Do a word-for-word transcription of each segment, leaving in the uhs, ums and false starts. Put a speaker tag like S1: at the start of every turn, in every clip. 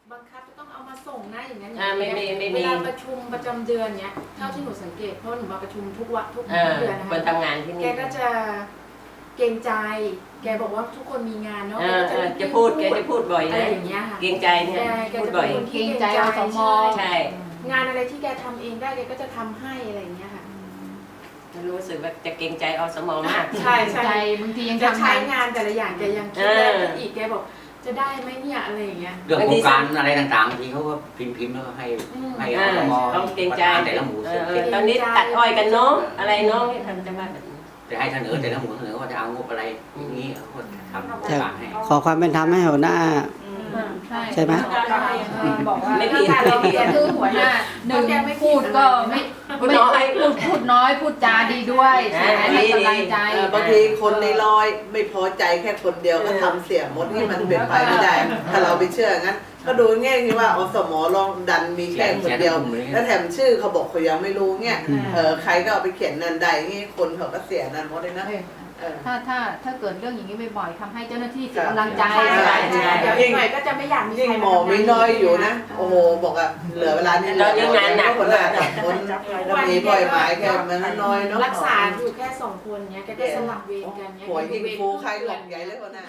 S1: บังคับจะต้องเอามาส่งนะอย่างนั้น
S2: อ่าไม่ไม่ไม่
S1: เวลาประชุมประจำเดือนเนี้ยเท่าที่หนูสังเกตเพราะหนูมาประชุมทุกวันทุกเดือนนะคะ
S2: คนทำงานที่นี่
S1: แกก็จะเกรงใจแกบอกว่าทุกคนมีงานเนาะ
S2: จะพูดแกจะพูดบ่อย
S1: อะไร
S2: นะ
S1: อย่างเงี้ยค่ะ
S2: เกรงใจเนี่ย
S1: แก
S2: พูด
S1: จะ
S2: บ่
S1: เป็
S2: อย
S1: นคนที่เกรงใจ
S3: อสม
S1: ใช่
S2: ใช่
S1: งานอะไรที่แกทำเองได้แกก็จะทำให้อะไรอย่างเงี้ยค่ะ
S2: รู้สึกว่าจะเกรงใจอสมมาก
S1: ใช่ใช่
S3: ใจบางทียัง
S1: จะ
S3: ทำ
S1: ใช้
S3: งาน
S1: งานแต่ละอย่างแกยังคิดได้คิดอีกแกบอกจะได้ไหมเนี่ยอะไรอย่างเงี้ย
S4: เรื่องโครงการอะไรต่างๆบางทีเขาก็พิมพ์พิมพ์แล้วก็ให้
S1: อืม
S4: ให้
S2: เอ
S4: อ
S2: อ
S4: สม
S2: ต้องเกรงใจ
S4: แต่ละหมู่
S2: เอ
S4: เสร็จ
S2: อตอนนี้ตัดอ้อยกันเนาะอะไรเนาะที่ทำจะว่าแบบนี้
S4: จะให้เสนอแต่ละหมู่เสนอว่าจะเอางบอะไรอย่างนี้เขาก็ทำโครงการให้
S5: ขอความเป็นธรรมให้หัวหน้า
S3: ใช่
S5: ใช่ไหม
S3: บอกว่า
S2: ไม่ผิดไม่ผิด
S3: คือหัวหน้าหนึ่งพูดก็ไม่
S2: พูดน้อย
S3: พูดพูดน้อยพูดจาดีด้วยใช่ไหมให้กำลังใจ
S6: เออบางทีคนในร้อยไม่พอใจแค่คนเดียวก็ทำเสียงมดที่มันเป็นไปไม่ได้ ถ้าเราไปเชื่องั้น ก็ดูง่ายที่ว่าอสมลองดันมีแค่คนเดียว แล้วแถมชื่อเขาบอกเขายังไม่รู้เนี่ยเออใครก็เอาไปเขียนนันใดนี่คนเขาก็เสียนันหมดเลยนะเออ
S3: ถ้าถ้าถ้าเกิดเรื่องอย่างนี้บ่อยๆทำให้เจ้าหน้าที่เสียกำลังใจ
S1: ใช่ใช่ใช่เดี๋ยวอีกหน่อยก็จะไม่อยากมี
S6: ยิ่ง
S1: ใคร
S6: หมอไม่น้อยอยู่นะ โอ้โหบอกอะเหลือเวลานี่
S2: ตอนนี้งานหนัก
S6: คนละคนแล้วมีบ่อยหมายแค่มันน้อยเนาะ
S1: รักษาอยู่แค่สองคนเนี้ยแกก็สลับเวรกันเนี้ย
S6: หัวยิงฟูใครหลอกใหญ่เลยคนน่ะ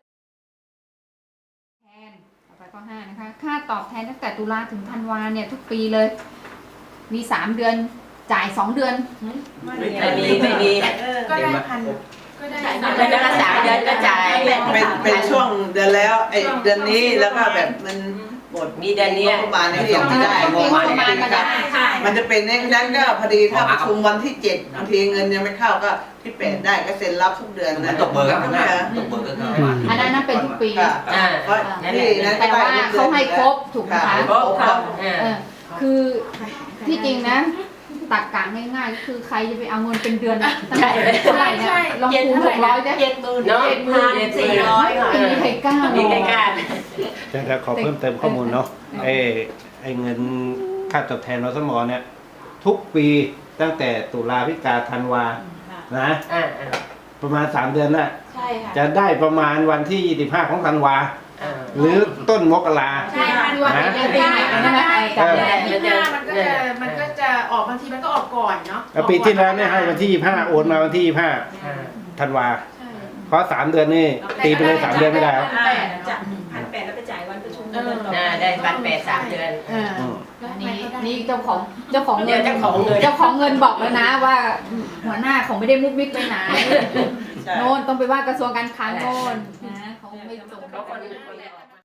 S3: แทนต่อไปข้อห้านะคะค่าตอบแทนตั้งแต่ตุลาถึงธันวาเนี่ยทุกปีเลย มีสามเดือนจ่ายสองเดือน
S2: ไม่มีไม่มี
S1: ก็ได้พันก็ได้
S2: แล้วก็สามเดือนก็จ่าย
S6: เป็นเป็นช่วงเดือนแล้วไอ้เดือนนี้แล้วก็แบบมันหมด
S2: มีเดือนนี้
S6: ประมาณนี้ยังไม่ได้งบประมาณนี้ได้มันจะเป็นอย่างนั้นก็พอดีถ้าประชุมวันที่เจ็ดบางทีเงินยังไม่เข้าก็ที่แปดได้ก็เซ็นรับทุกเดือน
S4: มั
S6: นะ
S4: นตกเบอร์ครับนะตกเบอร์ก็ประมาณ
S3: อันนั้นนั่นเป็นทุกปี
S2: อ่า
S6: เพราะที่นั้น
S3: แต่ว่าเขาให้ครบถูกไหมคะ
S6: ครบครับ
S2: อ่า
S3: เออคือที่จริงนะตักกะง่ายๆก็คือใครจะไปเอาเงินเป็นเดือนอะตั้งแต่เท่าไหร่นะลองคูณหกร้อยได้
S1: เจ็ดหมื่น
S2: เนาะ
S1: เจ็ดหมื่นสี่ร้อยค่ะ
S3: ไม่มีใครกล้า
S2: มีใครกล้า
S7: จะจะขอเพิ่มเติมข้อมูลเนาะไอ้ไอ้เงินค่าตอบแทนอสมเนี่ยทุกปีตั้งแต่ตุลาพฤศจิกาธันวานะ
S2: อ่า
S7: ประมาณสามเดือนน่ะ
S1: ใช่ค่ะ
S7: จะได้ประมาณวันที่ยี่สิบห้าของธันวา
S2: อ่า
S7: หรือต้นมกรา
S1: ใช่ค่ะวันนี้ยังได้ก็ได้แต่ที่ห้ามันก็จะมันก็จะออกบางทีมันก็ออกก่อนเนาะ
S7: แล้วปีที่แล้วเนี่ยให้วันที่ยี่สิบห้าโอนมาวันที่ยี่สิบห้า
S2: อ่า
S7: ธันวา
S1: ใช่
S7: เพราะสามเดือนนี่ตีไปเลยสามเดือนไม่ได้ครับ
S1: แปด
S8: จากพันแปดแล้วไปจ่ายวันประชุม
S1: เออ
S2: อ่าได้พันแปดสามเดือน
S3: เออ
S7: อืม
S3: อันนี้นี่เจ้าของเจ้าของเงิน
S2: เดี๋ยวเจ้าของเงิน
S3: เจ้าของเงินบอกแล้วนะว่า หัวหน้าเขาไม่ได้มุกมิกไปไหนโน่นต้องไปว่ากระทรวงการคลังโน่นนะเขาไม่ส่ง
S2: เขาคน